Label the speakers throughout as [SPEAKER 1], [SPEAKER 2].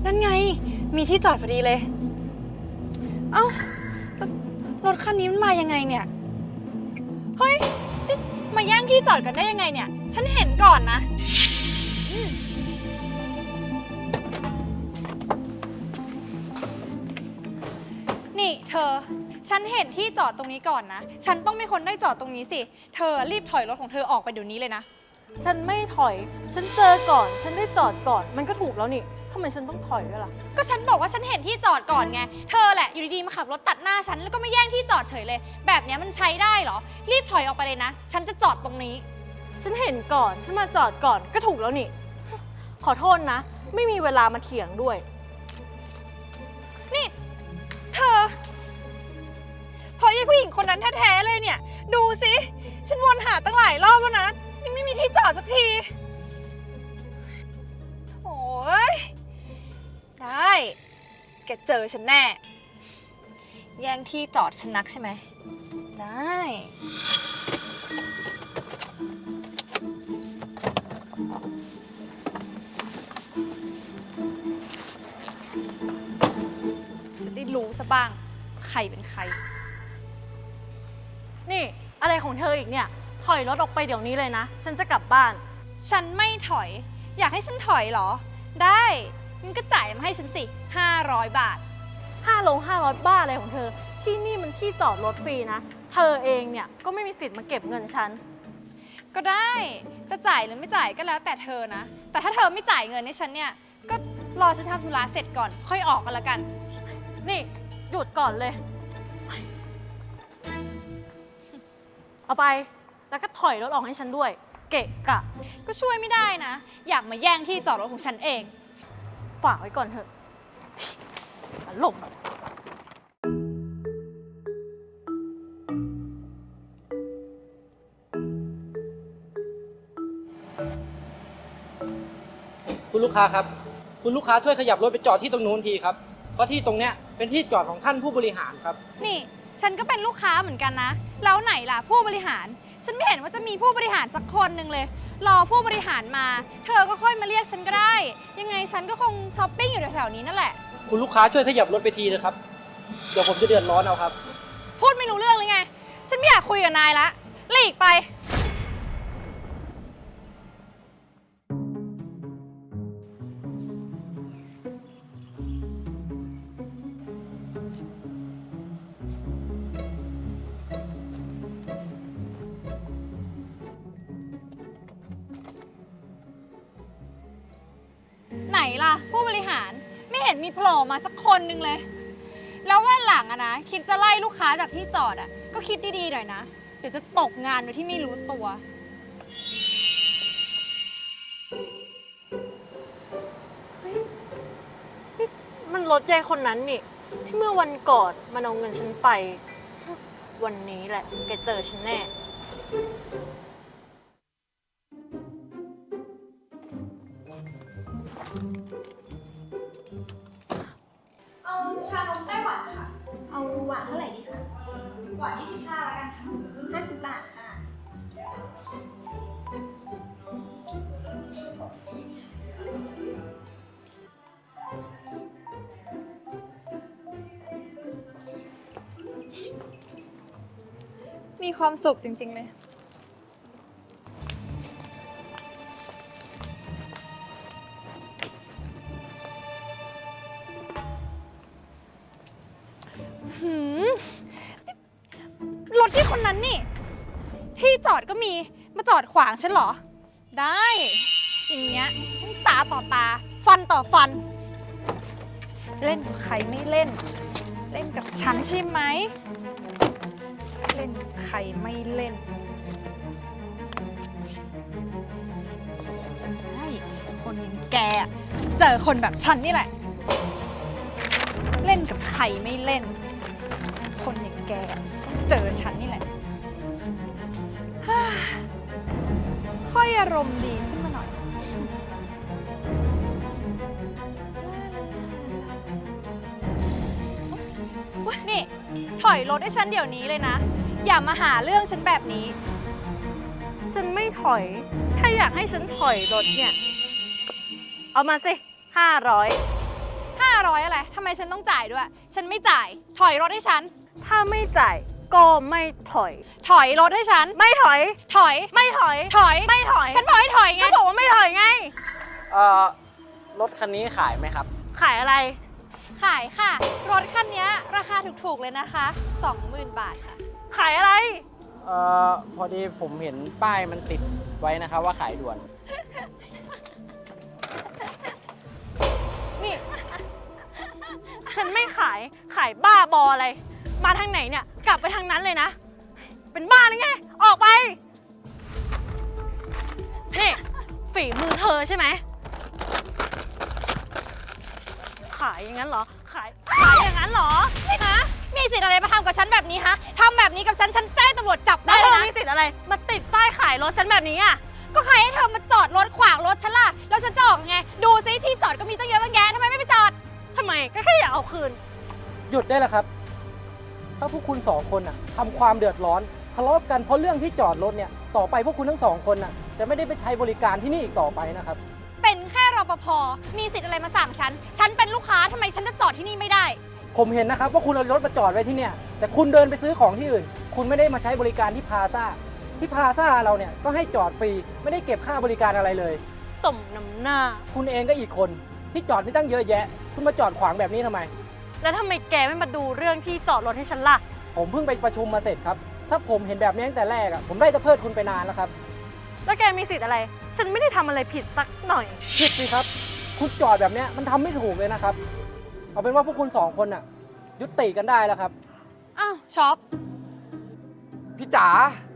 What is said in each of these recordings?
[SPEAKER 1] นั่นไงมีที่จอดพอดีเลยเอ้ารถคันนี้มันมายังไงเนี่ยเฮ้ยมาแย่งที่จอดกันได้ยังไงเนี่ยฉันเห็นก่อนนะนี่เธอฉันเห็นที่จอดตรงนี้ก่อนนะฉันต้องเป็นคนได้จอดตรงนี้สิเธอรีบถอยรถของเธอออกไปเดี๋ยวนี้เลยนะ
[SPEAKER 2] ฉันไม่ถอยฉันเจอก่อนฉันได้จอดก่อนมันก็ถูกแล้วนี่ทำไมฉันต้องถอยด้วยล่ะ
[SPEAKER 1] ก็ฉันบอกว่าฉันเห็นที่จอดก่อนไงเธอแหละอยู่ดีๆมาขับรถตัดหน้าฉันแล้วก็มาแย่งที่จอดเฉยเลยแบบนี้มันใช้ได้เหรอรีบถอยออกไปเลยนะฉันจะจอดตรงนี้
[SPEAKER 2] ฉันเห็นก่อนฉันมาจอดก่อนก็ถูกแล้วนี่ขอโทษนะไม่มีเวลามาเถียงด้วย
[SPEAKER 1] นี่เธอพอไอ้ผู้หญิงคนนั้นแท้ๆเลยเนี่ยดูสิฉันวนหาตั้งหลายรอบแล้วนะยังไม่มีที่จอดสักทีโอ้ยได้แกเจอฉันแน่แย่งที่จอดฉันนักใช่ไหมได้จะได้รู้ซะบ้างใครเป็นใคร
[SPEAKER 2] นี่อะไรของเธออีกเนี่ยถอยรถออกไปเดี๋ยวนี้เลยนะฉันจะกลับบ้าน
[SPEAKER 1] ฉันไม่ถอยอยากให้ฉันถอยเหรอได้งั้นก็จ่ายมาให้ฉันสิ500 บาท
[SPEAKER 2] 500บ้าอะไรของเธอที่นี่มันที่จอดรถฟรีนะเธอเองเนี่ยก็ไม่มีสิทธิ์มาเก็บเงินฉัน
[SPEAKER 1] ก็ได้จะจ่ายหรือไม่จ่ายก็แล้วแต่เธอนะแต่ถ้าเธอไม่จ่ายเงินให้ฉันเนี่ยก็รอฉันทำธุระเสร็จก่อนค่อยออกกันละกัน
[SPEAKER 2] นี่หยุดก่อนเลยเอาไปแล้วก็ถอยรถออกให้ฉันด้วยเกะกะ
[SPEAKER 1] ก็ช่วยไม่ได้นะอยากมาแย่งที่จอดรถของฉันเอง
[SPEAKER 2] ฝากไว้ก่อนเถอะอารมณ์
[SPEAKER 3] คุณลูกค้าครับคุณลูกค้าช่วยขยับรถไปจอดที่ตรงนู้นทีครับเพราะที่ตรงเนี้ยเป็นที่จอดของท่านผู้บริหารครับ
[SPEAKER 1] นี่ฉันก็เป็นลูกค้าเหมือนกันนะแล้วไหนล่ะผู้บริหารฉันไม่เห็นว่าจะมีผู้บริหารสักคนหนึ่งเลยรอผู้บริหารมาเธอก็ค่อยมาเรียกฉันก็ได้ยังไงฉันก็คงช้อปปิ้งอยู่แถวๆนี้นั่นแหละ
[SPEAKER 3] คุณลูกค้าช่วยขยับรถไปทีนะครับเดี๋ยวผมจะเดือดร้อนเอาครับ
[SPEAKER 1] พูดไม่รู้เรื่องเลยไงฉันไม่อยากคุยกับนายละหลีกไปไหนล่ะผู้บริหารไม่เห็นมีโผล่มาสักคนนึงเลยแล้ววันหลังอะนะคิดจะไล่ลูกค้าจากที่จอดอะก็คิดดีๆหน่อยนะเดี๋ยวจะตกงานโดยที่ไม่รู้ตัว
[SPEAKER 2] มันรถยายคนนั้นนี่ที่เมื่อวันก่อนมันเอาเงินฉันไปวันนี้แหละแกเจอฉันแน่
[SPEAKER 1] เอาชานมไต้หวันค่ะเอาหวานเท่าไหร่ดีคะหวาน25แล้วกันค่ะ50 บาทค่ะมีความสุขจริงๆเลยรถที่คนนั้นนี่ที่จอดก็มีมาจอดขวางฉันเหรอได้อย่างเงี้ยตาต่อตาฟันต่อฟันเล่นกับใครไม่เล่นเล่นกับฉันใช่ไหมเล่นกับใครไม่เล่นได้คนอย่างแกเจอคนแบบฉันนี่แหละเล่นกับใครไม่เล่นคนอย่างแกต้องเจอฉันนี่แหละค่อยอารมณ์ดีขึ้นมาหน่อยนี่ถอยรถให้ฉันเดี๋ยวนี้เลยนะอย่ามาหาเรื่องฉันแบบนี้
[SPEAKER 2] ฉันไม่ถอยถ้าอยากให้ฉันถอยรถเนี่ยเอามาสิ500
[SPEAKER 1] 500อะไรทำไมฉันต้องจ่ายด้วย ฉันไม่จ่าย ถอยรถให้ฉัน
[SPEAKER 2] ถ้าไม่จ่ายก็ไม่ถอย
[SPEAKER 1] ถอยรถให้ฉัน
[SPEAKER 2] ไม่ถอย
[SPEAKER 1] ถอย
[SPEAKER 2] ไม่ถอย
[SPEAKER 1] ถอย
[SPEAKER 2] ไม่ถอย
[SPEAKER 1] ฉันบอกให้ถอยไง
[SPEAKER 2] ก็บอกว่าไม่ถอยไง
[SPEAKER 3] รถคันนี้ขายไหมครับ
[SPEAKER 2] ขายอะไร
[SPEAKER 1] ขายค่ะ รถคันนี้ราคาถูกๆเลยนะคะ 20,000 บาทค่ะ
[SPEAKER 2] ขายอะไร
[SPEAKER 3] พอดีผมเห็นป้ายมันติดไว้นะครับว่าขายด่วน
[SPEAKER 2] นี่ ฉันไม่ขาย ขายบ้าบออะไร มาทางไหนเนี่ย กลับไปทางนั้นเลยนะ เป็นบ้าหรือไง ออกไป นี่ ฝีมือเธอใช่ไหม ขายอย่างนั้นเหรอ ขายอย่างนั้นเหรอฮะ
[SPEAKER 1] มีสิทธิ์อะไรมาทำกับฉันแบบนี้ฮะทำแบบนี้กับฉัน ฉันแจ้งตำรวจจับได้
[SPEAKER 2] แล้ว
[SPEAKER 1] เล
[SPEAKER 2] เธ
[SPEAKER 1] ย
[SPEAKER 2] อ
[SPEAKER 1] นะ
[SPEAKER 2] มีสิทธิ์อะไร มาติดป้ายขายรถฉันแบบนี้อ่ะ
[SPEAKER 1] ก็ใครให้เธอมาจอดรถขวางรถฉันล่ะ แล้วฉันจะออกยังไง ดูซิที่จอดก็มีตั้งเยอะตั้งแยะทำไมไม่ไปจอด
[SPEAKER 2] ทำไมก็แค่อยากเอาคืน
[SPEAKER 3] หยุดได้แล้วครับ ถ้าพวกคุณสองคนน่ะทำความเดือดร้อนทะเลาะกันเพราะเรื่องที่จอดรถเนี่ย ต่อไปพวกคุณทั้งสองคนน่ะจะไม่ได้ไปใช้บริการที่นี่อีกต่อไปนะครับ
[SPEAKER 1] เป็นแค่รปภ มีสิทธิ์อะไรมาสั่งฉัน ฉันเป็นลูกค้าทำไมฉันจะจอดที่นี่ไม่ได้
[SPEAKER 3] ผมเห็นนะครับว่าคุณเอารถมาจอดไว้ที่เนี่ย แต่คุณเดินไปซื้อของที่อื่น คุณไม่ได้มาใช้บริการที่พลาซ่า ที่พลาซ่าเราเนี่ยก็ให้จอดฟรี ไม่ได้เก็บค่าบริการอะไรเลย
[SPEAKER 2] สมน้ำหน้า
[SPEAKER 3] คุณเองก็อีกคนที่จอดไม่ตั้งเยอะแยะ คุณมาจอดขวางแบบนี้ทำไม
[SPEAKER 2] แล้วทำไมแกไม่มาดูเรื่องที่จอดรถให้ฉันล่ะ
[SPEAKER 3] ผมเพิ่งไปประชุมมาเสร็จครับ ถ้าผมเห็นแบบนี้ตั้งแต่แรกผมได้จะเพิดคุณไปนานแล้วครับ
[SPEAKER 2] แล้วแกมีสิทธิ์อะไร ฉันไม่ได้ทำอะไรผิดสักหน่อย
[SPEAKER 3] ผิดสิครับ คุณจอดแบบเนี้ยมันทำไม่ถูกเลยนะครับ เอาเป็นว่าพวกคุณสองคนน่ะ ยุติกันได้แล้วครับ
[SPEAKER 1] อ้าวช็อป
[SPEAKER 4] พี่จ๋า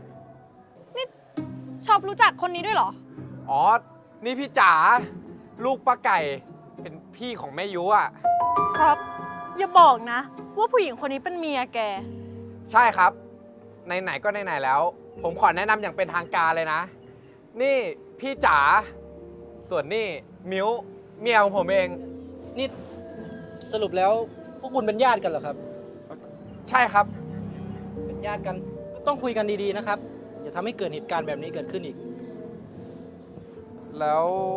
[SPEAKER 1] ช็อปรู้จักคนนี้ด้วยเหรอ
[SPEAKER 4] อ๋อ นี่พี่จ๋า ลูกป้าไก่ เป็นพี่ของแม่ยุอ่ะ
[SPEAKER 2] ชอบ อย่าบอกนะ ว่าผู้หญิงคนนี้เป็นเมียแก
[SPEAKER 4] ใช่ครับ ไหนๆก็ไหนๆแล้ว ผมขอแนะนำอย่างเป็นทางการเลยนะ นี่พี่จ๋า ส่วนนี่มิ้ว เมียของผมเอง
[SPEAKER 3] นี่สรุปแล้วพวกคุณเป็นญาติกันเหรอครับ
[SPEAKER 4] ใช่ครับ
[SPEAKER 3] เป็นญาติกันก็ต้องคุยกันดีๆนะครับอย่าทำให้เกิดเหตุการณ์แบบนี้เกิดขึ้นอีก
[SPEAKER 4] แล้ว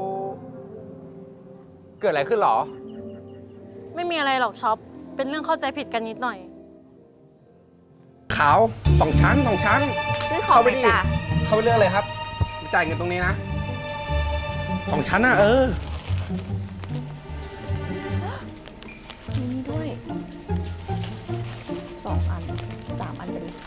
[SPEAKER 4] เกิดอะไรขึ้นหรอ
[SPEAKER 2] ไม่มีอะไรหรอกช็อป เป็นเรื่องเข้าใจผิดกันนิดหน่อย
[SPEAKER 4] ขาวสองชั้น
[SPEAKER 5] ซื้อของไปจ้ะ
[SPEAKER 4] เข้าไปเรื่องเลยครับ จ่ายเงินตรงนี้นะสองชั้นนะ
[SPEAKER 5] มีนี่ด้วย2 อัน 3 อันไปเลย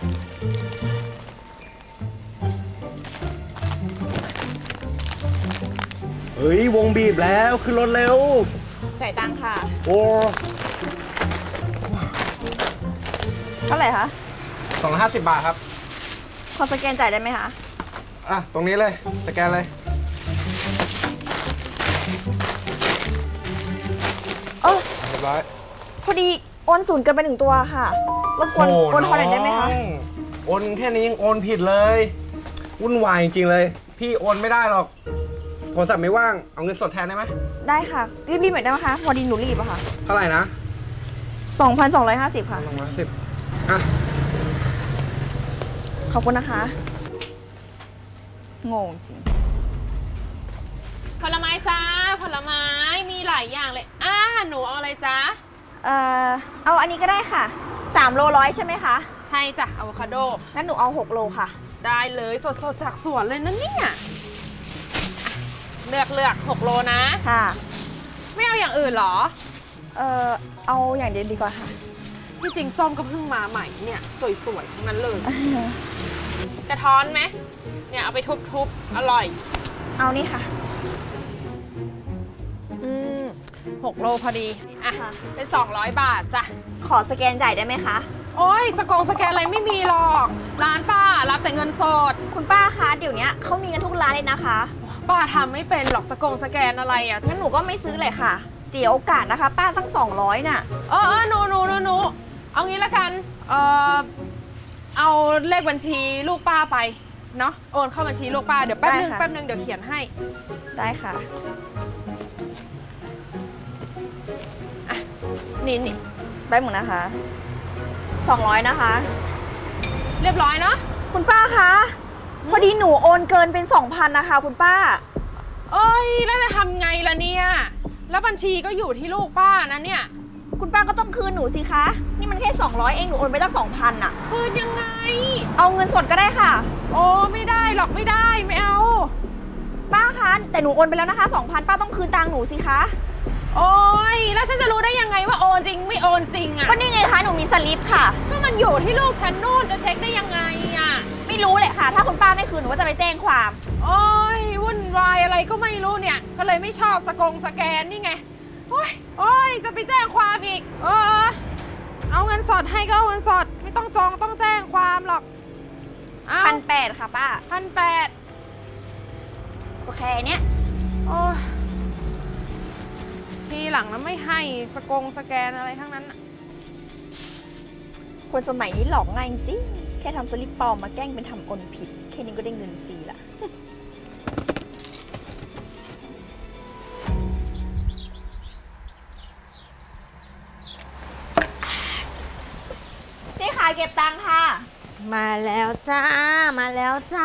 [SPEAKER 6] เฮ้ยวงบีบแล้วขึ้นรถเร็ว
[SPEAKER 5] จ่ายตังค่ะ
[SPEAKER 6] โอ้
[SPEAKER 5] เท่าไหร่คะ
[SPEAKER 4] 250 บาทครับ
[SPEAKER 5] ขอสแกนจ่ายได้ไหมคะ
[SPEAKER 4] อ่ะ ตรงนี้เลย สแกนเลย
[SPEAKER 5] เออ
[SPEAKER 4] เรียบร้อย
[SPEAKER 5] พอดีโอนศูนย์เกินไป1 ตัวค่ะรบกวนโอนทอนหน่อยได้ไหมคะ
[SPEAKER 4] โอนแค่นี้ยังโอนผิดเลย วุ่นวายจริงๆเลย พี่โอนไม่ได้หรอก โทรศัพท์ไม่ว่าง เอาเงินสดแทนได้ไหม
[SPEAKER 5] ได้ค่ะ รีบๆหน่อยได้ไหมคะพอดีหนูรีบอะค่ะ
[SPEAKER 4] เท่าไหร่นะ
[SPEAKER 5] 2,250 ค่ะ
[SPEAKER 4] 210อ่ะ
[SPEAKER 5] ขอบคุณนะคะ งงจริง
[SPEAKER 7] ผลไม้จ้าผลไม้มีหลายอย่างเลยหนูเอาอะไรจ้า
[SPEAKER 5] เอาอันนี้ก็ได้ค่ะ3 โล100ใช่ไหมคะ
[SPEAKER 7] ใช่จ้ะอะโวคาโด
[SPEAKER 5] งั้นหนูเอา6 โลค่ะ
[SPEAKER 7] ได้เลยสดๆจากสวนเลยนะเนี่ยอ่ะเลือก6 โลนะ
[SPEAKER 5] ค่ะ
[SPEAKER 7] ไม่เอาอย่างอื่นเหรอ
[SPEAKER 5] เอาอย่างเดียวดีกว่าค่ะ
[SPEAKER 7] ที่จริงส้มก็เพิ่งมาใหม่เนี่ยสวยๆทั้งนั้นเลย กระท้อนไหมเนี่ยเอาไปทุบๆอร่อย
[SPEAKER 5] เอานี่ค่ะ
[SPEAKER 7] 6 โลพอดีอ่ะ
[SPEAKER 5] ค่ะ
[SPEAKER 7] เป็น200 บาทจ้ะ
[SPEAKER 5] ขอสแกนจ่ายได้ไหมคะ
[SPEAKER 7] โอ้ยสแกนอะไรไม่มีหรอกร้านป้ารับแต่เงินสด
[SPEAKER 5] คุณป้าคะ เดี๋ยวนี้เขามีกันทุกร้านเลยนะคะ
[SPEAKER 7] ป้าทำไม่เป็นหรอกสแกนอะไรอ่ะ
[SPEAKER 5] งั้นหนูก็ไม่ซื้อเลยค่ะ เสียโอกาสนะคะ ป้าตั้ง200น่ะ
[SPEAKER 7] หนูเอางี้ละกัน เอาเลขบัญชีลูกป้าไป เนาะโอนเข้าบัญชีลูกป้า เดี๋ยวแป๊บนึง
[SPEAKER 5] ได้ค่ะ
[SPEAKER 7] แป๊บนึงเดี๋ยวเขียนให้
[SPEAKER 5] ได้ค่ะ
[SPEAKER 7] นี่
[SPEAKER 5] ได้หมดนะคะ200นะคะ
[SPEAKER 7] เรียบร้อยเนาะ
[SPEAKER 5] คุณป้าคะ พอดีหนูโอนเกินเป็น 2,000นะคะ คุณป้า
[SPEAKER 7] เอ้ย แล้วจะทำไงล่ะเนี่ยแล้วบัญชีก็อยู่ที่ลูกป้านะเนี่ย
[SPEAKER 5] คุณป้าก็ต้องคืนหนูสิคะ นี่มันแค่200เองหนูโอนไปตั้ง2,000อะ
[SPEAKER 7] คืนยังไง
[SPEAKER 5] เอาเงินสดก็ได้ค่ะ
[SPEAKER 7] โอ้ไม่ได้หรอกไม่ได้ไม่เอา
[SPEAKER 5] ป้าคะแต่หนูโอนไปแล้วนะคะ2,000ป้าต้องคืนตังค์หนูสิคะ
[SPEAKER 7] โอ้ยแล้วฉันจะรู้ได้ยังไงว่าโอนจริงไม่โอนจริงอะ
[SPEAKER 5] ก็นี่ไงคะหนูมีสลิปค่ะ
[SPEAKER 7] ก็มันอยู่ที่ลูกฉันนู่นจะเช็คได้ยังไงอะ
[SPEAKER 5] ไม่รู้เลยค่ะ ถ้าคุณป้าไม่คืนหนูก็จะไปแจ้งความ
[SPEAKER 7] โอ้ยวุ่นวายอะไรก็ไม่รู้เนี่ย ก็เลยไม่ชอบสแกนนี่ไงโอ้ยโอ้ยจะไปแจ้งความอีกเอาเงินสดให้ก็เอาเงินสด ไม่ต้องจองต้องแจ้งความหรอกเอา
[SPEAKER 5] 1,800ค่ะป้า
[SPEAKER 7] 1,800
[SPEAKER 5] โอเคเนี้ย
[SPEAKER 7] โอ้ยทีหลังแล้วไม่ให้สแกนอะไรทั้งนั้นน่ะ
[SPEAKER 5] คนสมัยนี้หลอกง่ายจริงแค่ทำสลิปปลอมมาแกล้งเป็นทำโอนผิด แค่นี้ก็ได้เงินฟรีละ เจ๊ขายเก็บตังค์ค่ะ
[SPEAKER 8] มาแล้วจ้า มาแล้วจ้า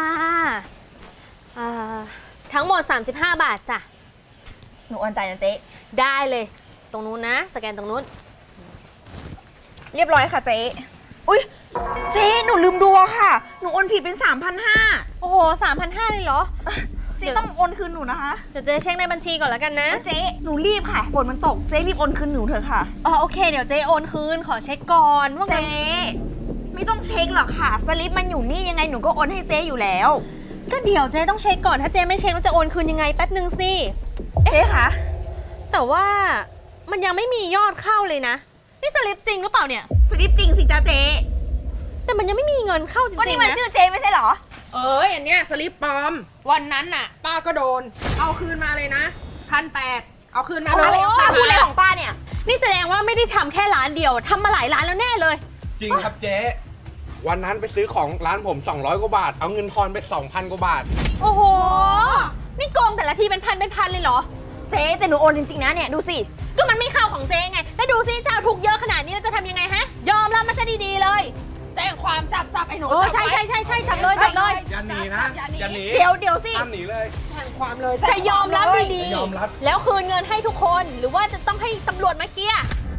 [SPEAKER 8] ทั้งหมด 35 บาทจ้ะ
[SPEAKER 5] หนูโอนจ่ายนะเจ๊
[SPEAKER 8] ได้เลย ตรงนู้นนะ สแกนตรงนู้น
[SPEAKER 5] เรียบร้อยค่ะเจ๊ อุ๊ย เจ๊หนูลืมดูอะค่ะ หนูโอนผิดเป็น 3,500
[SPEAKER 8] โอ้โห 3,500เลยเหรอ
[SPEAKER 5] เจ๊ต้องโอนคืนหนูนะคะ
[SPEAKER 8] เดี๋ยวเจ๊เช็คในบัญชีก่อนแล้วกันนะ
[SPEAKER 5] เจ๊หนูรีบค่ะฝนมันตก เจ๊รีบโอนคืนหนูเถอะค่ะ
[SPEAKER 8] โอเค เดี๋ยวเจ๊โอนคืน ขอเช็คก่อนว่า
[SPEAKER 5] เจ๊
[SPEAKER 8] เงิน
[SPEAKER 5] ไม่ต้องเช็คหรอกค่ะ สลิปมันอยู่นี่ยังไงหนูก็โอนให้เจ๊อยู่แล้ว
[SPEAKER 8] ก็เดี๋ยวเจ๊ต้องเช็คก่อน ถ้าเจ๊ไม่เช็คมันจะโอนคืนยังไงแป๊บนึงสิ
[SPEAKER 5] เจ๊คะ
[SPEAKER 8] แต่ว่ามันยังไม่มียอดเข้าเลยนะ นี่สลิปจริงหรือเปล่าเนี่ย
[SPEAKER 5] สลิปจริงสิจ้าเจ๊
[SPEAKER 8] แต่มันยังไม่มีเงินเข้าจ
[SPEAKER 5] ก็
[SPEAKER 8] ริ
[SPEAKER 5] นี่
[SPEAKER 8] งๆ
[SPEAKER 5] มัน
[SPEAKER 8] นะ
[SPEAKER 5] ชื่อเจ๊ไม่ใช่เหรอ
[SPEAKER 7] อันเนี้ยสลิปปลอม วันนั้นน่ะ ป้าก็โดน เอาคืนมาเลยนะ1,800เอาคืนมา
[SPEAKER 5] เอา
[SPEAKER 7] เล
[SPEAKER 5] อะไร
[SPEAKER 7] ย
[SPEAKER 5] ของป้าพูดอะไรของป้าเนี่ย
[SPEAKER 8] นี่แสดงว่าไม่ได้ทำแค่ร้านเดียวทำมาหลายร้านแล้วแน่เลย
[SPEAKER 4] จริงครับเจ๊ วันนั้นไปซื้อของร้านผม 200 กว่าบาท เอาเงินทอนไป 2,000 กว่าบาท
[SPEAKER 8] โอ้โห นี่โกงแต่ละทีเป็นพันเลยเหรอ
[SPEAKER 5] เจ๊แต่หนูโอนจริงๆนะเนี่ยดูสิ
[SPEAKER 8] ก็มันไม่เข้าของเจ๊ไง แล้วดูซิเจ้าถูกเยอะขนาดนี้เราจะทำยังไงฮะ ยอมรับมาซะดีๆเลย
[SPEAKER 7] แจ้งความจับไอ้หนู
[SPEAKER 8] ใช่จับเลย
[SPEAKER 4] อย่าหนีนะ อย่าหนี
[SPEAKER 5] เดี๋ยวสิ
[SPEAKER 4] ห้ามหนีเลย
[SPEAKER 7] แจ้งความเลย
[SPEAKER 8] จะยอมรับดี
[SPEAKER 4] จะยอมรับ
[SPEAKER 8] ๆ แล้วคืนเงินให้ทุกคน หรือว่าจะต้องให้ตำรวจมาเคลียร์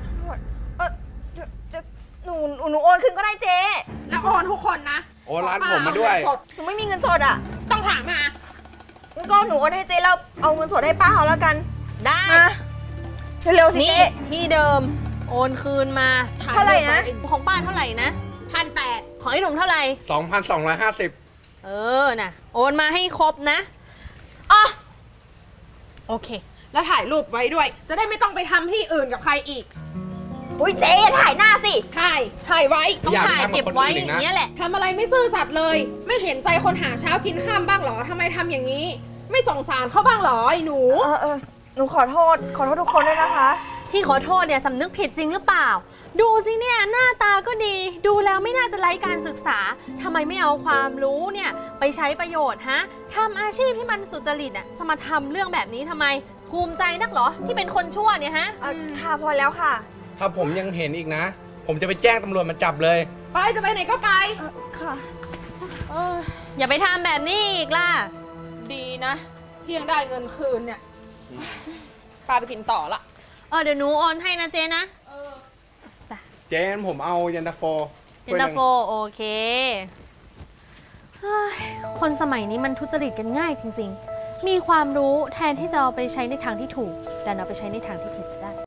[SPEAKER 5] หนูโอนคืนก็ได้เจ๊
[SPEAKER 7] แล้วโอนทุกคนนะ
[SPEAKER 4] โอนร้านผมมาด้วย
[SPEAKER 7] เอเงินสด
[SPEAKER 5] หนูไม่มีเงินสดอ่ะ
[SPEAKER 7] ต้องถามมา
[SPEAKER 5] งั้นก็หนูโอนให้เจ๊แล้วเอาเงินสดให้ป้าเขาแล้วกัน
[SPEAKER 8] ได้
[SPEAKER 5] มาเร็วๆสิ
[SPEAKER 8] นี่
[SPEAKER 5] เจ๊
[SPEAKER 8] ที่เดิม โอนคืนมา
[SPEAKER 5] เท่าไหร่นะ
[SPEAKER 8] ของป้าเท่าไหร่นะ
[SPEAKER 7] 1,800
[SPEAKER 8] ของไอ้หนุ่มเท่าไหร่
[SPEAKER 4] 2,250
[SPEAKER 8] น่ะ โอนมาให้ครบนะ
[SPEAKER 5] อ๋อ
[SPEAKER 8] โอเค
[SPEAKER 7] แล้วถ่ายรูปไว้ด้วย จะได้ไม่ต้องไปทำที่อื่นกับใครอีก
[SPEAKER 5] อุ้ยเจ๊อย่าถ่ายหน้าสิ
[SPEAKER 7] ถ่ายไว้
[SPEAKER 8] ต้อง
[SPEAKER 4] อย่าไป
[SPEAKER 8] ถ่าย
[SPEAKER 4] ทำกับ
[SPEAKER 8] เก็บ
[SPEAKER 4] คน
[SPEAKER 8] ไว้
[SPEAKER 4] อื่น
[SPEAKER 8] อ
[SPEAKER 4] อีกนะ
[SPEAKER 8] ย่างเงี้ยแหละ
[SPEAKER 7] ทำอะไรไม่ซื่อสัตย์เลย ไม่เห็นใจคนหาเช้ากินข้ามบ้างเหรอทำไมทำอย่างนี้ ไม่สงสารเขาบ้างเหรอไอ้หนู
[SPEAKER 5] หนูขอโทษทุกคนด้วยนะคะ
[SPEAKER 8] ที่ขอโทษเนี่ยสำนึกผิดจริงหรือเปล่า ดูสิเนี่ยหน้าตาก็ดี ดูแล้วไม่น่าจะไร้การศึกษาทำไมไม่เอาความรู้เนี่ยไปใช้ประโยชน์ฮะทำอาชีพที่มันสุจริตอ่ะจะมาทำเรื่องแบบนี้ทำไม ภูมิใจนักเหรอที่เป็นคนชั่วเนี่ยฮะ
[SPEAKER 5] ค่ะพอแล้วค่ะ
[SPEAKER 4] ถ้าผมยังเห็นอีกนะ ผมจะไปแจ้งตำรวจมาจับเลย
[SPEAKER 7] ไปจะไปไหนก็ไป
[SPEAKER 5] ค่ะ
[SPEAKER 8] อย่าไปทำแบบนี้อีกล่ะ
[SPEAKER 7] ดีนะที่ยังได้เงินคืนเนี่ยปาไปกินต่อละ
[SPEAKER 8] เดี๋ยวหนูโอนให้นะเจ๊นะ
[SPEAKER 4] เจ๊งั้นผมเอายันตาโฟ
[SPEAKER 8] เย็นตาโฟโอเคเฮ้ยคนสมัยนี้มันทุจริตกันง่ายจริงๆ มีความรู้แทนที่จะเอาไปใช้ในทางที่ถูกแต่เอาไปใช้ในทางที่ผิดซะได้